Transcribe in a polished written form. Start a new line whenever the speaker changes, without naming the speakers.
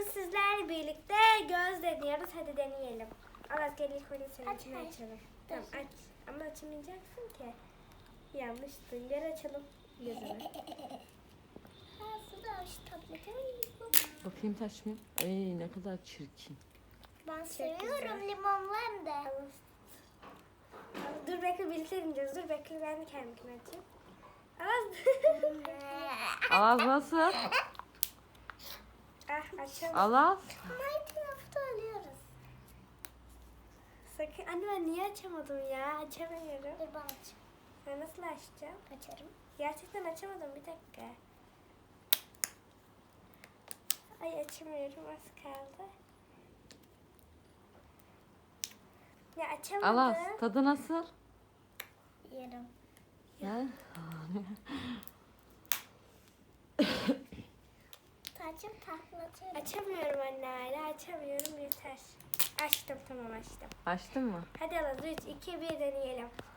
Bugün sizlerle birlikte göz deniyoruz. Hadi deneyelim. Aras gel ilk önce seninkini açalım. Tamam aç. Ama açamayacaksın ki. Yanlıştı. Gel açalım gözünü.
Bakayım taş mı? Ay ne kadar çirkin.
Ben seviyorum limonlu hem de.
Dur bekle birlikte deneyeceğiz. Dur bekle ben de kendimkini açayım. Aras.
Alaz nasıl?
Açalım.
Alaz.
Minecraft'ı alıyoruz.
Sakın. Anne ben niye açamadım ya? Açamıyorum.
Dur ben açayım.
Ben nasıl açacağım?
Açarım.
Gerçekten açamadım. Bir dakika. Ay açamıyorum. Az kaldı. Ya açamadım.
Alaz tadı nasıl?
Yerim.
Ha?
Tacım taklatıyorum.
Açamıyorum anne hala. Açamıyorum. Yeter. Açtım tamam açtım.
Açtın mı?
Hadi Alaz 3, 2, 1 deneyelim.